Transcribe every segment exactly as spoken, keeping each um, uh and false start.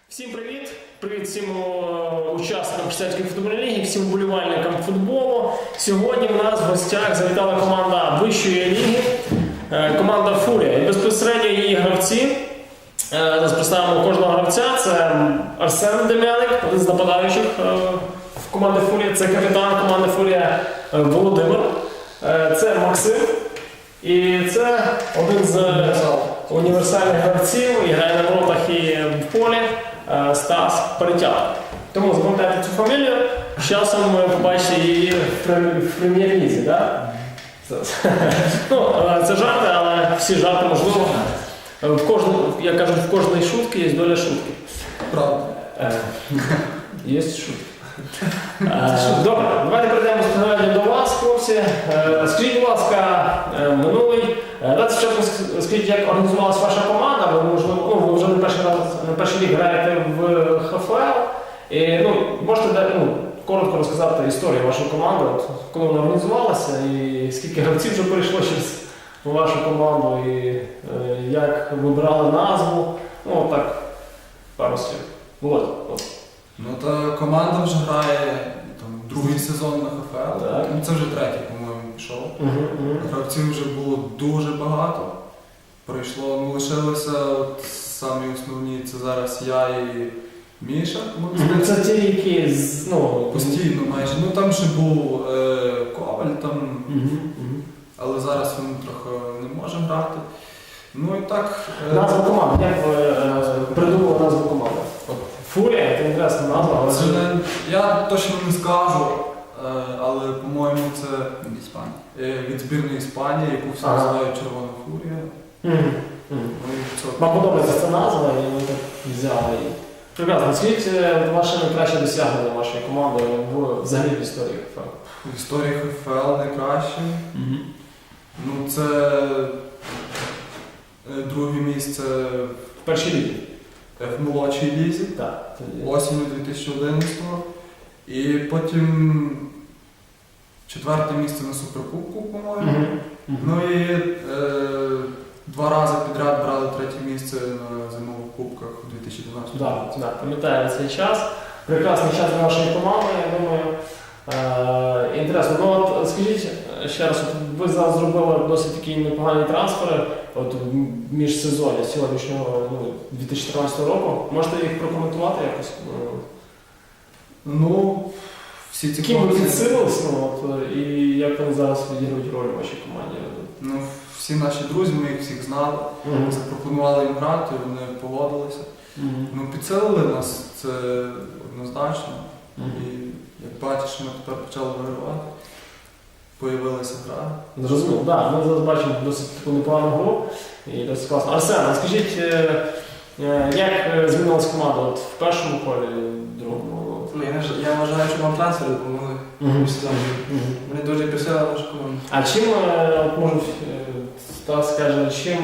Всім привіт! Привіт всім учасникам Християнської футбольної ліги, всім вболівальникам футболу. Сьогодні в нас в гостях завітала команда вищої ліги, команда Фурія. І безпосередньо її гравці. Зараз представимо кожного гравця. Це Арсен Дем'яник, один з нападаючих в команді Фурія. Це капітан команди Фурія Володимир. Це Максим. І це один з універсальних гравців, і грає на воротах і в полі, Стас Перетяг. Тому запам'ятайте цю фамілію, з часом ви побачите її в прем'єр-лізі. Да? Ну, це жарти, але всі жарти можливо. В кожну, як кажуть, в кожній шутки є доля шутки. Правда. Є шутки. Добре, давайте перейдемо безпосередньо до вас, хлопці. Скажіть, будь ласка, минулий. Давайте спочатку скажіть, як організувалася ваша команда. Ви, можливо, ну, ви вже не перший раз, на перший рік граєте в ХФЛ. І, ну, можете ну, коротко розказати історію вашої команди, от, коли вона організувалася і скільки гравців вже перейшло через вашу команду, і е, як вибирали назву. Ну, так, пару слів. Володя. Ну, та команда вже грає там, другий сезон на ХФЛ. Ну, це вже третій, по-моєму, пішов. Uh-huh, uh-huh. Гравців вже було дуже багато. Прийшло, ну, лишилося от, самі основні, це зараз я і Міша. Uh-huh. Це ті, які з, ну, постійно майже. Ну, там ще був е, Коваль, там, uh-huh, uh-huh. але зараз він трохи не може грати. Ну і так... Е... Назва команди. Як ви е, придумали назву команди? Фурія, це інтересна назва, але... Це не, я точно не скажу, але, по-моєму, це від збірної Іспанії, яку всі ага. називають Червона Фурія. Mm-hmm. Mm-hmm. Вам подобається ця назва, і ви так взяли її. Прекрасно. Скажіть ваше найкраще досягнення вашої команди в, взагалі в історії ХФЛ? В історії ХФЛ найкраще? Mm-hmm. Ну, це друге місце в першій лізі. В молодшій лізі, так, осінню дві тисячі одинадцятого. І потім четверте місце на Суперкубку, по-моєму. Mm-hmm. Mm-hmm. Ну і е, два рази підряд брали третє місце на зимових кубках у дві тисячі дванадцятому. Так, да, да, пам'ятаю цей час. Прекрасний час для вашої команди, я думаю. Е, інтересно. Ну от скажіть ще раз, от ви зараз зробили досить такі непогані трансфери от в міжсезоні сьогоднішнього ну, дві тисячі тринадцятого року. Можете їх прокоментувати якось? Ну, всі ці ким ви підсилились, ну, от, і як вони зараз відіграють роль у вашій команді? Ну, всі наші друзі, ми їх всіх знали, mm-hmm. запропонували їм грати, вони погодилися. Mm-hmm. Ну, підсилили нас, це однозначно. Mm-hmm. І як бачиш, ми тепер почали вигравати. Появилася гра. Зрозуміло, так. Ми зараз бачимо досить таку непогану гру і досить класно. Арсен, скажіть, як змінилася команда от в першому колі, в другому? Ну, я, я вважаю, що вам трансфери допомогли в сезоні. Вони дуже присили нашу команду. А чим, от може, Стас скаже, чим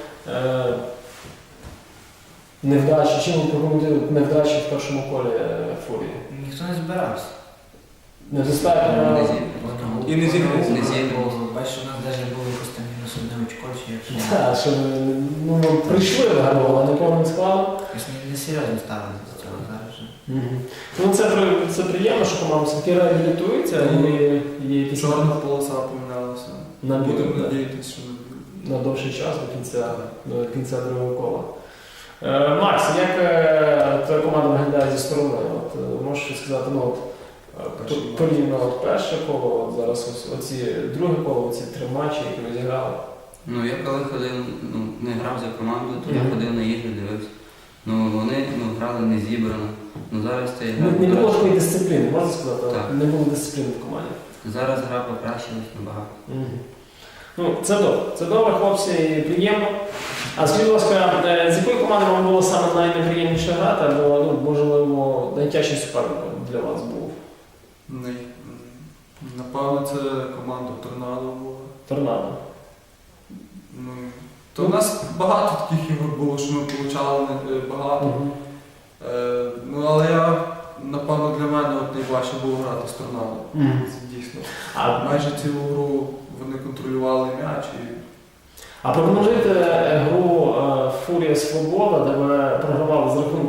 невдачі, чим ви прокоментуєте невдачі в першому колі Фурії? Ніхто не збирався. Не достатньо? І не зігнувся. Не зігнувся. Бачиш, у нас навіть було просто мінус одне очко, чи як. Так, що ну, прийшли в гру, але не повним складом. Не серйозно ставили до цього зараз вже. Mm-hmm. Ну, це, це приємно, що команда все-таки реабілітується mm-hmm. і є якісь... Чорна полоса помінялася. Будемо надіятися, що на довший час, до кінця, до кінця другого кола. Е, Макс, як е, твоя команда виглядає зі сторони? От, можеш сказати, ну, от, порівняно от перше коло, от зараз ось, оці друге коло, оці три матчі, які ви зіграли? Ну, я коли ходив, ну, не грав за команду, то mm-hmm. я ходив на ігри, дивився. Ну, вони ну, грали не зібрано. Ну, зараз це гра... Не, не було такої дисципліни, можна сказати? Так. Не було дисципліни в команді. Зараз гра покращилась набагато. Mm-hmm. Ну, це добре. Це добре, хлопці, приємно. А скажіть, будь ласка, з якої команди вам було саме найнеприємніше грати, або, ну, можливо, найтяжчий суперник для вас був? Не. Напевно, це команда Торнадо була. Торнадо. Ну, то у нас багато таких ігор було, що ми отримали багато. Uh-huh. Е, ну, але я, напевно, для мене от найважче було грати з Торнадо. Uh-huh. Це дійсно. А майже цілу гру вони контролювали м'яч. І... А прокоментуйте гру Фурія Свобода, де ви програвали з рахунком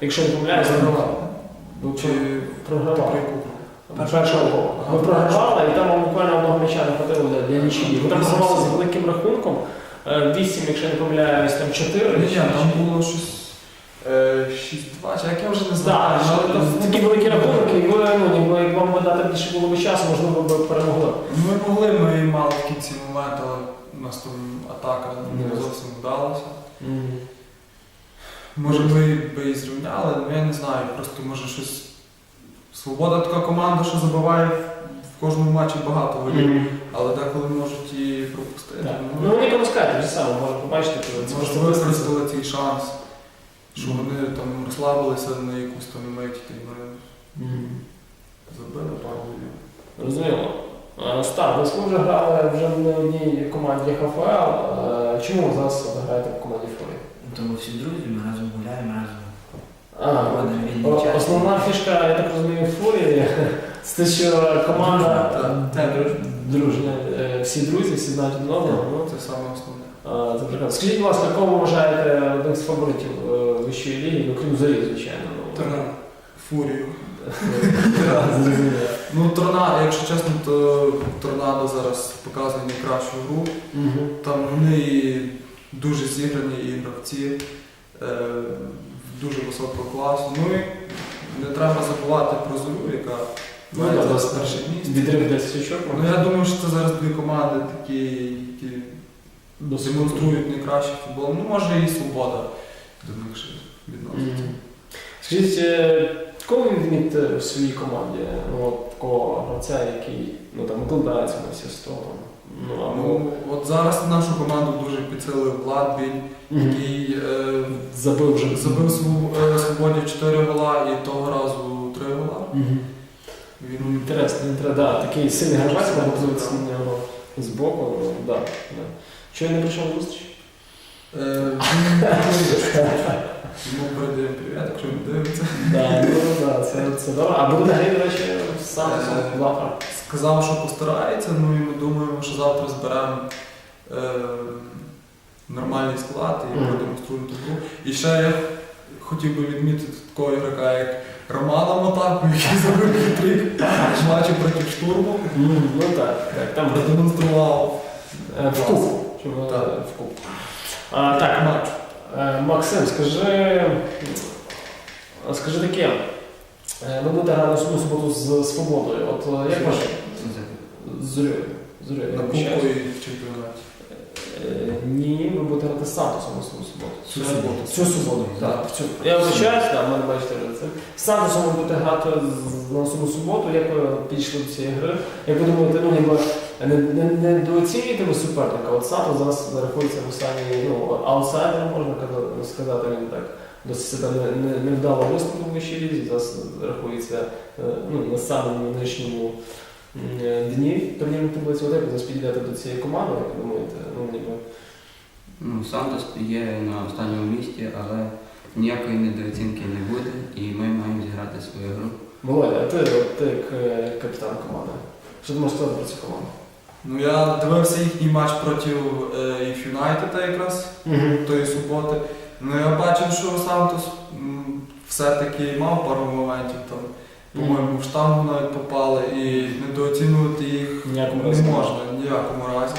якщо не помиляюсь, Програвали. ви Чи програвали. про яку? Першого гола. Ви програвали, і там вам буквально одного м'яча не хватило для, для нічиї. Ви там програвали з великим рахунком. вісім, якщо не помиляюсь, там чотири. Ні, там було щось е, шість-два, чи як я вже не знаю. Так, але там- такі великі рахунки, і ви, ну, ніби, як вам би дати більше було б часу, можливо, ви б перемогли. Ми могли, ми мали в кінці момент, але у нас там атака не Ні. зовсім вдалася. Може ми би і зрівняли, але я не знаю, просто може щось. Свобода така команда, що забиває в кожному матчі багато голів, Мгм. але деколи можуть і пропустити. Так. Ну, Ну вони пропускають вже саме, можна побачити, коли це може просто виставиться. використали цей шанс, що Мгм. вони там розслабилися на якусь там мить, і ми Мгм. забили пару голів. Розуміло. Е, Стар, ви вже грали вже в не одній команді ХФЛ. Е, Чому ви зараз граєте в команді Фурі? Тому всі друзі, ми разом гуляємо, разом А, проводимо вільний о- час. Основна фішка, я так розумію, в Фурі, це те, що команда Так, е, дружня. дружня, е, всі друзі, всі знають один одного. Ну, Це саме основне. А, це прекрасно. Скажіть, будь ласка, кого ви вважаєте одним з фаворитів е, вищої ліги, ну крім зорі, звичайно. Ну, Торнадо. Фурію. Зрозуміло. Ну, Торнадо, якщо чесно, то Торнадо зараз показує найкращу гру. Мгм. Там вони і дуже зіграні і гравці е, дуже високого класу. Ну і не треба забувати про Зорю, яка Ну, має да, зараз да. перше місце. Відрив десять очок. Ну я думаю, що це зараз дві команди такі, які Досить демонструють найкращий футбол. Ну, може і свобода до них ще відноситься. Мгм. Скажіть, е, кого ви відмітите в своїй команді? Ну, от такого гравця, який ну, там, викладається на всі сто. Ну, або... Ну, от зараз нашу команду дуже підсилив Влад Біль, Мгм. який е, Забив вже. забив Своб- е, Свободі чотири гола і того разу три гола. Мгм. Він Інтересно, інтересно, да, такий сильний гравець, можна подивитися на нього з боку. Ну, да, да. Чого я не прийшов на зустріч? Е, він йому передаємо привіт, якщо він дивиться. Да, ну, да, це, це добре. А буде на грі, до речі, з Сантосом Е, завтра. Сказав, що постарається, ну і ми думаємо, що завтра зберемо е, нормальний склад і Мгм. продемонструємо ту гру. І ще я хотів би відмітити такого ігрока, як Романа Мотаку, який забив хитрик в матчі проти штурму. Мгм, Ну так, так, там Продемонстрував е, в куб. Чому Так. е, в куб. А, так, матч. е, Максим, скажи, скажи таке. Е, Ви будете грати наступну суботу з Свободою. От е, як ваше? З Зорьою. З Зорьою, я На вибачаюсь. кубку і в чемпіонаті. Е, Ні, ви будете грати з Сантосом наступну суботу. Цю суботу. Цю суботу, так. в цю. Я вибачаюсь, так, мене бачите вже це. З Сантосом ви будете грати з- на наступну суботу. Як ви підійшли до цієї гри? Як ви думаєте, ну ніби не, не, не недооцінюєте ви суперника? От Сантос зараз рахується в останній ну, аутсайдером, можна казати- сказати, він так. Досить себе не- не- невдало виступив в вищій лізі, зараз рахується е, ну, на самому нижньому м, е, дні турнірної таблиці. От як ви зараз підійдете до цієї команди, як ви думаєте? Ну, ніби, Ну, Сантос є на останньому місці, але ніякої недооцінки не буде, і ми маємо зіграти свою гру. Володя, а ти, от, ти як е, капітан команди, що ти можеш сказати про цю команду? Ну я дивився їхній матч проти If Юнайтеда якраз тої суботи. Ну я бачив, що Сантос м, все-таки мав пару моментів там. По-моєму, в штангу навіть попали і недооцінювати їх Ніякому не разі. можна ні в якому разі.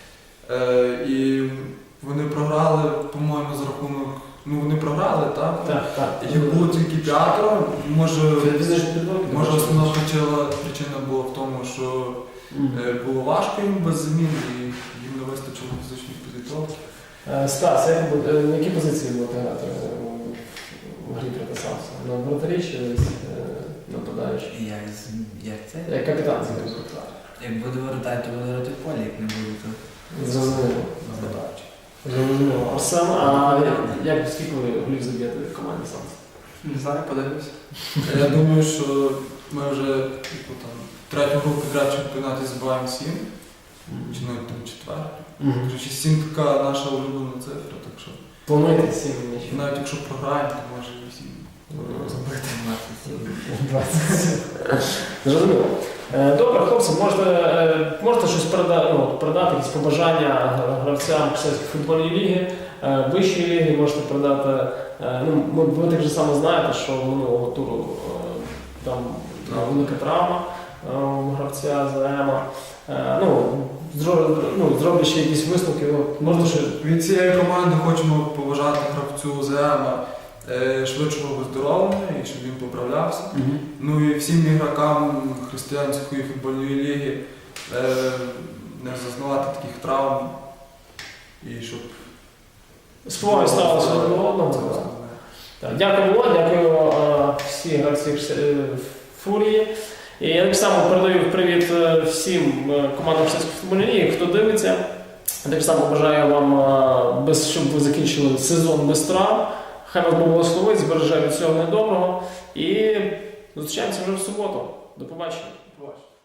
Е, і вони програли, по-моєму, з рахунок. Ну вони програли, так? Так, так. Їх було тільки п'ятеро. Може, Фізичні підготовки? може основна причина, причина була в тому, що е, було важко їм без замін і їм не вистачило фізичної підготовки. Е, Стас, як ви, е, на які позиції будете грати е, в грі проти Самса? На вратарі чи десь е, нападаючи? Як, з- як це? Як капітан скажімо. Як буду вертати, то буду грати в полі, як не буду, то Зрозуміло. нападаючи. Зрозуміло. Арсен, а як, як скільки ви голів заб'єте в команді Самса? Не знаю, подивлюся. Я думаю, що ми вже типу, там, третю гру підряд в чемпіонаті забуваємо сім, чи навіть там четверту. Мгм. Коротше, сім така наша улюблена цифра, так що Плануєте сім м'ячів? навіть якщо програємо, то може і сім забити. двадцять сім. Зрозуміло. Е, Добре, хлопці, можете, е, можете щось передати, ну, передати, якісь побажання гравцям Київської футбольної ліги, е, вищої ліги, можете передати Е, Ну, ми- ви так же само знаєте, що минулого туру е, там е, велика травма е, у гравця ЗМа. Е, Ну, зро- ну, зроблячи якісь висновки, ну, можна ще Від цієї команди хочемо побажати гравцю ЗМа е, швидшого виздоровлення і щоб він поправлявся. Ну і всім ігрокам християнської футбольної ліги е, не зазнавати таких травм і щоб спогади ставилися один до одного. Це так. основне. Так, дякую, Володь, дякую е, всі гравці е, Фурії. І я так само передаю привіт е, всім е, командам Християнської футбольної ліги, хто дивиться. Так само бажаю вам, е, без, щоб ви закінчили сезон без травм. Хай вас Бог благословить, збереже від всього недоброго. І зустрічаємося вже в суботу. До побачення. Побачимо.